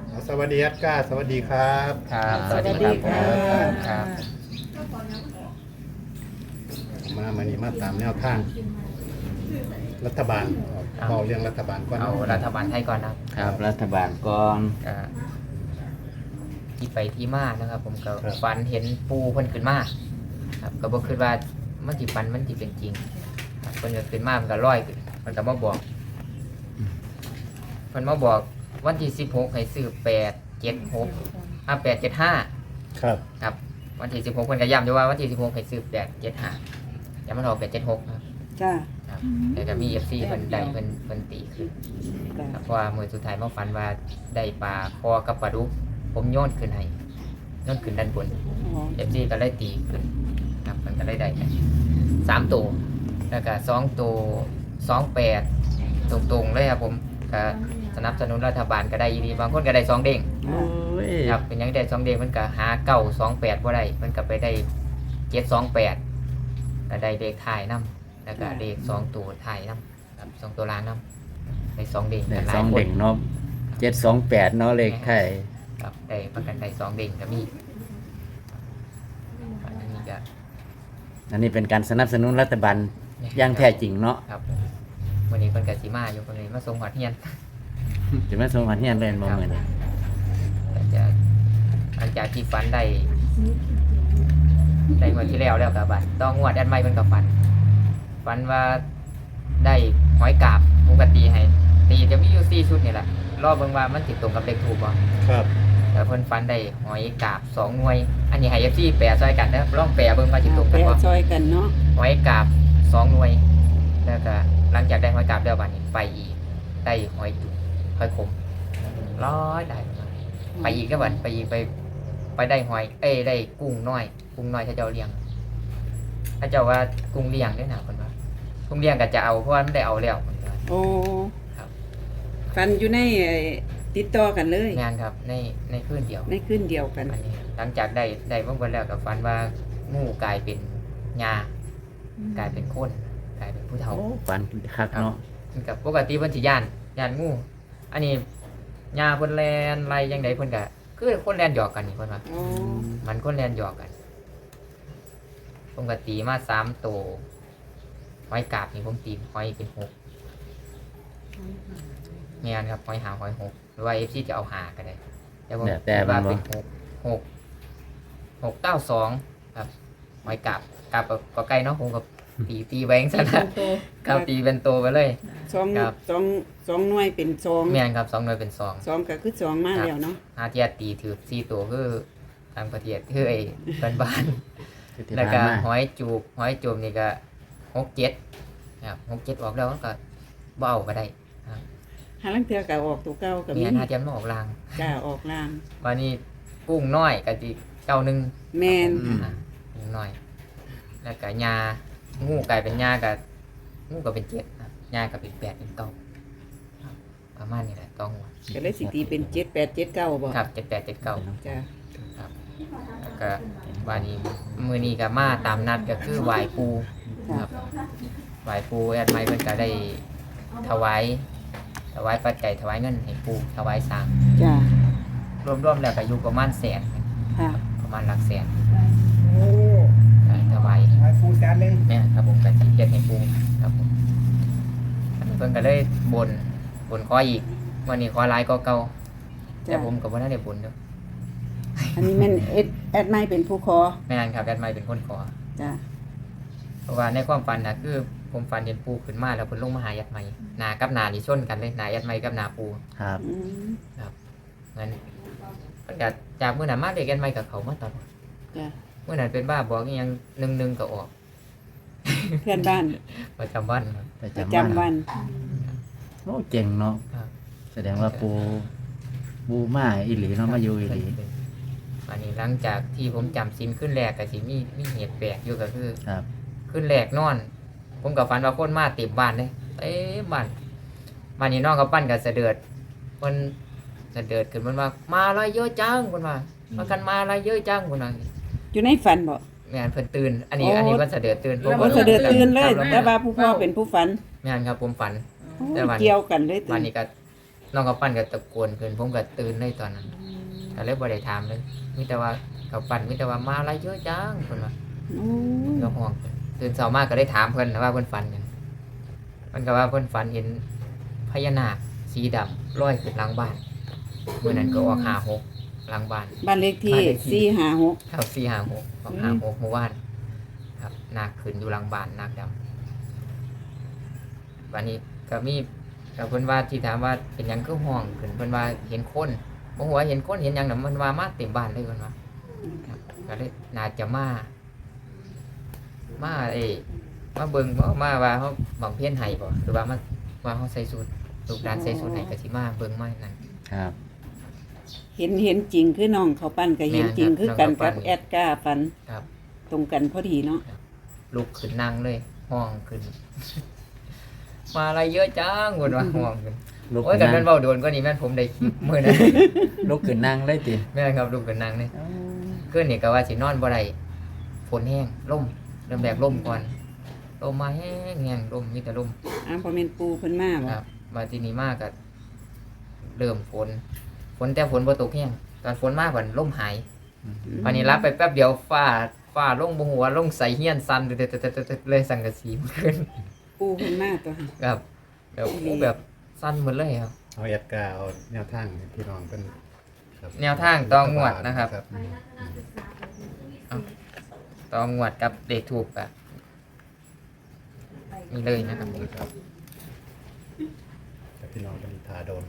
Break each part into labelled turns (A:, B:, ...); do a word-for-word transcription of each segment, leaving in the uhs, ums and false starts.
A: สวัสดีครับก้าสวัสดีครับ
B: ครับ
C: สวัสดีค่ะ
B: ครับ
A: มามานี่มาตามแนวทางรัฐบาลเบาเรื่องรัฐบาลก่อน
B: เอารัฐบาลไทยก่อนนะครับ
C: รัฐบาลก่อน
B: ก็ที่ไปที่มานะครับ ผมก็ฝันเห็นปูเพิ่นขึ้นมาครับก็บ่คิดว่ามันสิฝันมันสิเป็นจริงครับเพิ่นก็ขึ้นมามันก็ลอยขึ้นมันก็มาบอกเพิ่นมาบอกวันที่สิบหกให้ซื้อแปดเจ็ดหกอ่ะแปดเจ็ดห้า
A: ครับ
B: ครับวันที่สิบหกเพิ่นก็ย้ำอยู่ว่าวันที่สิบหกให้ซื้อแปดเจ็ดห้าอย่ามันออกแปดเจ็ดหกครับ
D: จ้า
B: ครับแต่ก็มี เอฟ ซี เพิ่นได้เพิ่นเพิ่นตีขึ้น
D: จ้า
B: ครับเพราะว่ามื้อสุดท้ายมาฝันว่าได้ปลาคอกับปลาดุกผมโยนขึ้นให้โยนขึ้นด้านบน
D: อ๋อ
B: เอฟ ซี ก็เลยตีขึ้นครับมันก็เลยได้กันสามตัวแล้วก็สองตัวสองแปดตรงๆเลยครับผมก็สนับสนุนรัฐบาลก็ได้ดีบางคนก็ได้สองเด้ง
C: โอ้ย
B: ครับเป็นหยังได้สองเด้งมันก็หาเก้าสองแปดบ่ได้มันก็ไปได้เจ็ดสองแปดก็ได้เลขท้ายนำแล้วก็เลขสองตัวท้ายนำครับสองตัวล่างนำได้สองเด้ง
C: ได้
B: กันหลา
C: ส
B: ย
C: อง
B: คน
C: เด็กเนาะเจ็ดสองแปดเนาะเลขไทย
B: ครับได้ประกันได้สองเด้งก็มีอันนี้ก็
C: อันนี้เป็นการสนับสนุนรัฐบาลอย่างแท้จริงเนาะ
B: ครับวันนี้เพิ่นก็สิมาอยู่เพิ่นเลยมาส่งฮอดเฮียน
C: จะไม่สมหันเฮียนเล่นบ่เหมือน
B: แต่จะหลังจากที่ฝันได้ได้งวดที่แล้วแล้วกับบัดต้องงวดอันใหม่เพิ่นก็ฝันฝันว่าได้หอยกาบผมก็ตีให้ตีจะมีอยู่สี่ชุดนี่แหละรอบเบิ่งว่ามันสิตรงกับเลขถูกบ่
A: ครับ
B: แต่เพิ่นฟันได้หอยกาบสองหน่วย อันนี้ให้ เอฟ ซี แปลซอยกันเด้อลองแปลเบิ่งว่าสิตรง
D: ไป
B: กันบ่
D: ซอยกันเนาะ
B: หอยกาบสองหน่วย แล้วก็หลังจากได้หอยกาบแล้วบัดนี้ไปอีกได้หอยจุกหอยขมร้อยได้ไปอีกก็บัดไปอีกไปไปได้หอย เอ้ยได้กุ้งน้อย กุ้งน้อยถ้าเจ้าเลี้ยง ถ้าเจ้าว่ากุ้งเลี้ยงได้น่ะเพิ่นว่ากุ้งเลี้ยงก็จะเอาเพราะว่ามันได้เอาแล้วเพิ่นว่า
D: โอ้
B: ครับ
D: ฟันอยู่ในไอ้ติดต่อกันเลย
B: งานครับในในคืนเดียว
D: ในขึ้นเดียวกัน
B: อันนี้หลังจากได้ได้เมื่อวันแล้วกับฟันว่างูกลายเป็นงากลายเป็นคนกลายเป็นผู้เฒ่า
C: โอ้ฝันคักเนาะ
B: กับปกติเพิ่นสิย่านย่านงู อันนี้งาเพิ่นแลนไล่จังไดเพิ่นก็คือคนแลนหยอกกันนี่เพิ่นว่า
D: โอ้
B: มันคนแลนหยอกกันผมก็ตีมาสามตัวหอยกาบนี่ผมตีหอยเป็นหกแม่นครับหอยหาหอยหกหรือว่า เอฟ ซี จะเอาหาก็ได้แต่ผม
C: แต่
B: คิด
C: มั
B: ว่าน
C: บ่
B: เป็นหกหกหกเก้าสองครับหอยกาบกาบก็ใกล้เนาะผมกับตีตีแบงค์ซะนะกับตีเป็นโตไปเลย
D: สอง
B: ครับ
D: สองสองหน่วยเป็นสอง
B: แม่นครับสองหน่วยเป็นสอง
D: สองก็คือสองมาแล้วเนาะ
B: ห้าเทียตีถือสี่ตัวคือทางประเทศคือไอ้เพื่อนบ้าน
C: คือที่
B: แล้ว
C: ผ่าน
B: ก็
C: มา
B: หอยจูบหอยจูบนี่ก็หกเจ็ดครับหกเจ็ดออกแล้วมันก็เบเอาก็ได้ครับ
D: หาลังเทือก็ออกตัวเก่ากับ
B: มี
D: มี
B: อันห้าเทียมมาออกราง
D: จ้าออกลาง
B: วันนี้กุ้งน้อยก็จีเก้าหนึ่ง
D: แมน
B: อ่ะกุ้งน้อย แล้วก็ยางูกลายเป็นยากับงูก็เป็นเจ็ดครับยาก็เป็นแปดเป็นเก้าครับประมาณนี้แหละต้องหัว
D: ก็เลยสิตีเป็นเจ็ดแปดเจ็ดเก้าบ่
B: ครับเจ็ดแปดเจ็ดเก้า
D: จ้า
B: ครับแล้วก็วานี้มือนี้ก็มาตามนัดก็คือไหวายปูครับไหวายปูแอดไมค์เพิ่นก็ได้ถวายถวายปัจจัยถวายเงินให้ปูถวายสร้าง
D: จ้าร
B: วมๆแล้วก็อยู่ประมาณแสน
D: ค่ะ
B: ประมาณหลักแสน
A: โอ้
B: ก็ถวาย
A: หายฟูแสนหนึ่ง
B: เนี่ยครับผมก็สิเฮ็ดให้ปูครับผมอันนี้เพิ่นก็เลยบนบนขออีกวันนี้ขอหลายก็เก่าแต่
D: จ้า
B: ผมก็บ่ทันได้บนเด้อ
D: อันนี้แม่นเอ็ดแอดไม่เป็นผู้คอ
B: แม่นครับแอดไมค์เป็นคนขอ
D: จ้า
B: เพราะว่าในความฝันนะคือผมฝันเห็นปูขึ้นมาแล้วเพิ่นลงมาหายัดไม้หนากับหนานี่ชนกันเลยหนายัดไม้กับหนาปู
C: ครับ
D: อืม
B: งั้นเพิ่นก็จากมื้อนั้นมาเด็กยัดไม้กับเขามาตลอด
D: จ้า
B: มื้อนั้นเป็นบ้าบอกอีหยังหนึ่งๆก็ออก
D: เพื่อนบ้าน
B: ประจำวันครับ
C: ประ
D: ประ
C: จำวัน
D: จำวัน
C: โอ้เจ๋งเนาะ
B: ครับ
C: แสดงว่าปูปูมาอีหลีเนาะมาอยู่อีหลี
B: อันนี้หลังจากที่ผมจำศีลขึ้นแรกก็สิมีมีเหตุแปลกอยู่ก็คือ
C: ครับ
B: ขึ้นแรกนอน ผมก็ฝันว่าคนมาเต็มบ้านเลยเต็มบ้านบ้านนี้น้องเขาปั้นกับเสด็จเพิ่นเสด็จขึ้นเพิ่นว่ามาอะไรเยอะจังเพิ่นว่ามากันมาอะไรเยอะจังเพิ่นว่า
D: อยู่ในฝันบ่
B: แม่นเพิ่นตื่น อันนี้
D: โอ้
B: อันนี้เพิ่นเสด็จตื่นผม
D: โอ้
B: ก็
D: เสด็จตื่นเลย
B: ครับ
D: แต่ว่าผู้พ่อเป็นผู้ฝัน
B: แม่นครับผมฝัน
D: โอ้
B: แต่วัน
D: เกี่ยวกันเลย
B: วั
D: ตื่
B: น
D: น
B: นี้ก็น้องกับปั้นก็ตะโกนขึ้นผมก็ตื่นเลยตอนนั้นก็เลยบ่ได้ถามเลยมีแต่ว่ากับปั้นมีแต่ว่ามาอะไรเยอะจังเพิ่นว่า
D: โอ้
B: ก็ห่วงตื่นเช้ามาก็ได้ถามเพิ่นนะว่าเพิ่นฝันหยังเพิ่นก็ว่าเพิ่นฝันเห็นพญานาคสีดำลอยขึ้นหลังบ้านมื้อนั้นก็ออกห้าหกหลังบ้าน
D: บ้านเลขที่
B: บ้านเลขที่
D: สี่ห้าหก
B: ครับสี่ห้าหกออกห้าหกเมื่อวานครับนาคขึ้นอยู่หลังบ้านนาคดำวันนี้ก็มีกับเพิ่นว่าที่ถามว่าเป็นหยังคือห้องขึ้นเพิ่นว่าเห็นคนบ่ฮู้ว่าเห็นคนเห็นหยังน่ะมันว่ามาเต็มบ้านเลยเพิ่นว่าครับก็เลยน่าจะมามาเอ้มาเบิ่งบ่มาว่าเฮาบำเพ็ญให้บ่หรือว่ามาว่าเฮาใส่สูทลูกหลานใส่สูทให้ก็สิมาเบิ่งมานั่น
C: ครับ
D: เห็นเห็นจริงคือน้องเขาปั้นก็เห็นจริง
B: แม่นครับ
D: คือกัน
B: น้องเขาปั้
D: กับ
B: น
D: แอดก้าฟัน
B: ครับ
D: ตรงกันพอดีเนาะ
B: ลุกขึ้นนั่งเลยห้องขึ้น มาอะไรเยอะจังเพิ่นว่าห้องขึ้น
C: ลุก
B: โอ้ย
C: ขึ้
B: กัน น
C: นั่
B: แม่
C: ง
B: นเว้าโดนกว่านี้แม่นผมได้คลิปมื้อนั้น
C: ลุกขึ้นนั่งเลยติ
B: แม่นครับลุกขึ้นนั่งเลยคืนนี้ก็ว่าสินอนบ่ได้ฝนแห้งลมเริ่มแรกลมก่อนลมมาแห้งแห้งลมมีแต่ลม
D: อ้าวพอเป็นปูเพิ่นมาบ่
B: ครับมาที่นี้มากก็เริ่มฝนฝนแต่ฝนบ่ตกแห้งตอนฝนมาก่อนลมหายวันนี้รับไปแป๊บเดียวฟ้าฟ้าลงบ่หัวลงใส่เฮียนสั่นเตๆๆๆเลยสังกะสีมันขึ้น
D: ปูเพิ่นมาตัวค่ะ
B: ครับแบบโอ้แบบสั้นหมดเลยครับ
A: เอาแอดกาเอาแนวทางให้พี่น้องเป็นครับ
B: แนวทางต่องวดนะครับ
A: อืม
B: ต่องวดกับเด็กถูกอ่ะมีเลยนะครับ
A: ครับแต่พี่น้องเป็นทาโดน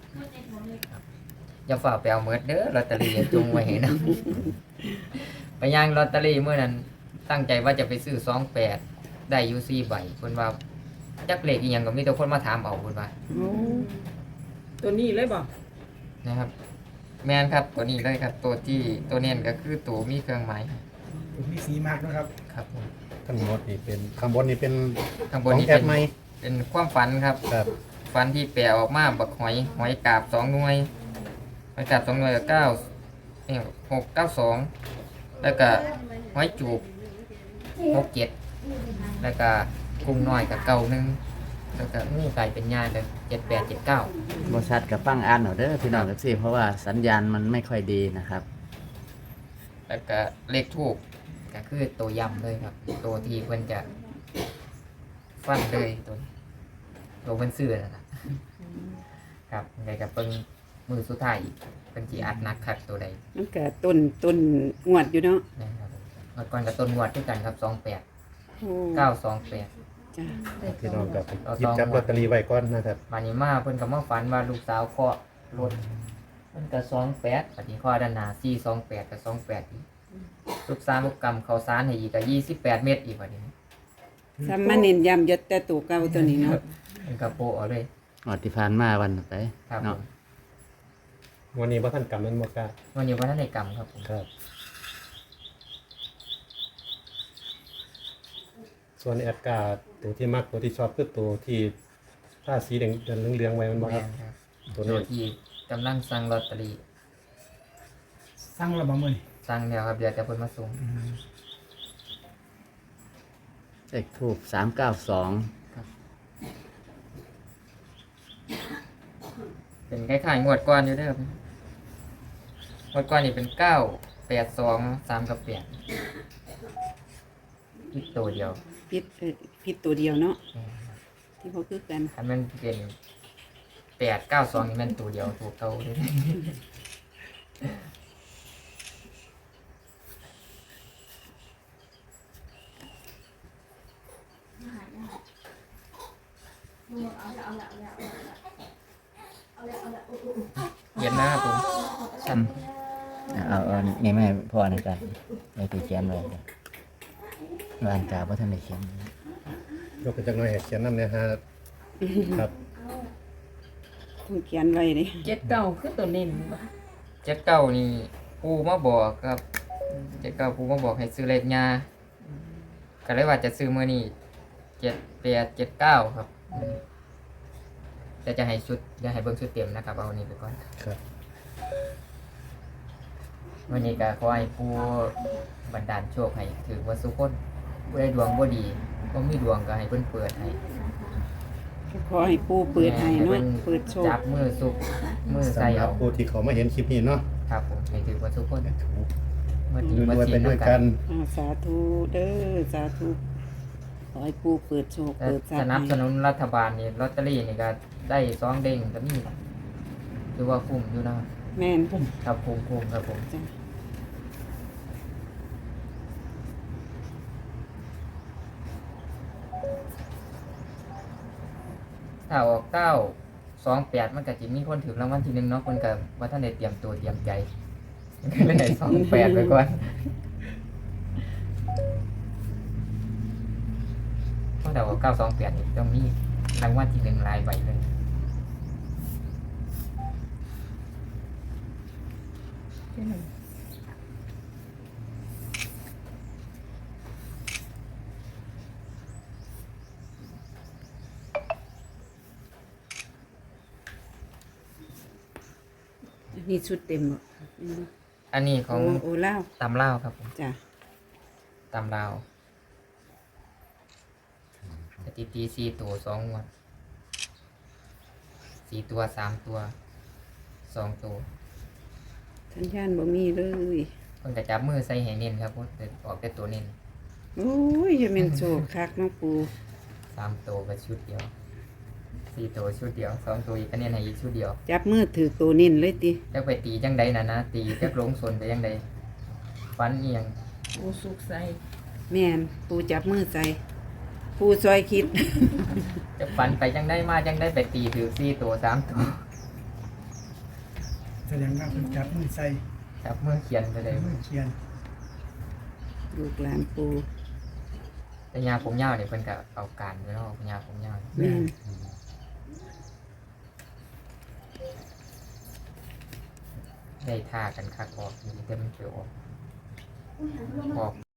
B: อย่าฝ่าไปเอาเมิดเด้อลอตเตอรี่จงไว้ให้นะ ไปย่างลอตเตอรี่เมื่อนั้นตั้งใจว่าจะไปซื้อสองแปดได้อยูซี่ใบคนว่าจักเลขอีหยังก็มีแต่คนมาถามเอาคนว่า
D: โอ้
E: ตัวนี้เลยบ่
B: นะครับ แมนครับตัวนี้เลยครับ ตัวที่ตัวเน้นก็คือตัวมีเครื่องหมาย
E: มีสีมากนะครับ
B: ครับผม
A: ทั้งหมดนี่เป็นข้างบนนี่เป็น
B: ข้างบ
A: ข
B: น
A: อง
B: นี้
A: แอ
B: เป็
A: ด
B: น
A: ไหม
B: เป็นความฝันครับ
A: ครับ
B: ฟันที่แปะออกมาบักหอยหอยกาบสองหน่วยหอยกาบสองหน่วยกับเก้าเนี่ยหกเก้าสองแล้วก็หอยจูบหกเจ็ดแล้วก็กุ้งน้อยกับเก้าหนึ่งแล้วก็งูไก่เป็นยากับเจ็ดแปดเจ็ดเก้า
C: บ่ชัดกับฟังอ่านเอาเด้อพี่น้องเอฟซีเพราะว่าสัญญาณมันไม่ค่อยดีนะครับ
B: แล้วก็เลขทูบก็คือตัวยำเลยครับ ตัวที่เพิ่นจะฟันเลยตัวนี้ตัวเพิ่นซื้อนะครับครับไงกับเพิ่นมือสุดท้ายเป็นจีอัดหนักคักตัวใด
D: มันก็ต้นต้นงวดอยู่เนาะ
B: นะครับเมื่อก่อนกับต้นงวดด้วยกันครับสองแปด
D: โอ้
B: เก้าสองแปด
D: จ้ะ
A: พี่น้องกับหยิบจับลอตเตอรี่ไว้ก่อนนะครับ
B: มานี้มาเพิ่นก็มาฝันว่าลูกสาวเคาะรถมันก็สองแปดปฏิข้อด้านหน้าสี่สองแปดกับสองแปดอีกลูกสาวลูกกำเขาสารให้อีกก็ยี่สิบแปดเมตรอีกวันนี้
D: ซ้ำมาเน้นย้ำยศแต่ตัวเก่าตัวนี้เนาะ
B: มันก็โปะเอาเลย
C: อดที่ผ่านมาวันไป
B: ครับผ
C: เนาะ
B: ม
A: วันนี้ว่าท่านกำมันมากา
B: วันนี้วันนั้นในกรรมครับผม
A: ครับ ส่วนแอดกาตัวที่มักตัวที่ชอบคือตัวที่ผ้าสีแดงเหลืองๆไว้มันบ่ค
B: แม่
A: รับ
B: นครับ
A: ตัว
B: ตั
A: นี้
B: วที่กำลังสั่งลอตเตอรี่
E: สร้างระบบมือนี่
B: สั่งแล้วครับเดี๋ยวจะเพิ่นมาส่ง
C: เลขทูบสามเก้าสอง
B: เป็นคล้ายๆงวดก่อนอยู่เด้อครับงวดก่อนนี่เป็นเก้าแปดสองสามกับแปดอีกตัวเดียว
D: พิษเอ่อพิษตัวเดียวเนาะที่บ่คือกัน
B: ถ้ามันเป็นแปดเก้าสองนี่มันตัวเดียวตัวเก่าเลย เย็นนะครับผมชัน
C: เอาเอานี่ไม่พ่อในกันในที่เขียนไว้เด้อวานกาบ่ทันได้เขียน
A: ยกไปจากหน่อยให้เขียนน้ำเนี่ยฮะครับ
D: ต้องเขียนไว้เลย
E: เจ็ดเก้าคือตัวเน้นบ่
B: เจ็ดเก้านี่ปูมาบอกครับเจ็ดเก้าปูมาบอกให้ซื้อเลขยาก็เลยว่าจะซื้อมื่อนี้เจ็ดแปดเจ็ดเก้าครับแต่จะให้ชุดจะให้เบิ่งชุดเต็มนะครับเอาอันนี้ไปก่อน
A: ครับ
B: วันนี้ก็ขอให้ผู้บันดาลโชคให้ถือว่าสุขคนผู้ได้ดวงบ่ดีก็มีดวงก็ให้เพิ่นเปิดให้
D: ขอให้ปูเปิดให้เนาะเปิดโชค
B: จับมือสุกมือใส่
A: สำหรั
B: เอา
A: บผู้ที่เขามาเห็นคลิปนี้เนาะ
B: ครับผมให้ถือว่าทุกคน
A: ถูก
B: เมื่อดี
A: ร
B: เมื่อ
A: วย
B: สี
A: ๆไปด้วยกัน
D: อ่าสาธุเด้อสาธุขอให้ปูเปิดโชค
B: แต่
D: เปิดทรัพ
B: ส
D: ย์
B: นับส
D: ให้
B: นุนรัฐบาลนี่ลอตเตอรี่นี่ก็ได้สองเด้งก็มีถือว่าคุ้มอยู่นะ
D: แม่น
B: ครับคุ้มคุ้มครับผม
D: จ้ะ
B: ถ้าออกเก้าสองแปดมันก็จะมีคนถือรางวัลที่หนึ่งเนาะคนกับว่าท่านได้เตรียมตัวเตรียมใจก็เลยได้สองแปดไปก่อนเพราะแต่ว่าเก้าสองแปดนี่ต้องมีรางวัลที่หนึ่งหลายใบเลย
D: อันนี้ชุดเต็มบ่
B: อันนี้ข
D: โอ้
B: อง
D: โอ้เล่าว
B: ตำเล่าวครับผม
D: จ้ะ
B: ตำลาวสถิติสี่ตัวสองงวันสี่ตัวสามตัวสองตัว
D: สัญญาณบ่มีเลย
B: คนกระจับมือใส่ให้เน้นครับเพราะออกแต่ตัวเน้น
D: โอ้ยจะเป็นโชคคักเนาะปู
B: สามตัวก็ชุดเดียวสี่ตัวชุดเดียวสองตัวอีกก็เน้นให้อีกชุดเดียว
D: จับมือถือตัวนิ่นเลยติ
B: จักไปตีจังใดนะนะตีจักลงสนไปจังใดฟันเอียง
E: โอ้สุกใส่
D: แม่นปูจับมือใส่ปูซอยคิด
B: จะฟันไปจังได้มาจังได้ไปตีถือสี่ตัวสามตัว
E: แสดงว่าเพิ่นจับมือใส่
B: จับมือเขียนไปเลย
E: มือเขียน
D: ลูกหลานปู
B: แต่ยาผมยาวเนี่ยเพิ่นก็เอาการไว้เนาะยาผมยาว
D: แม่น
B: ได้ท่ากันคักออกมีแต่มันเปออกออก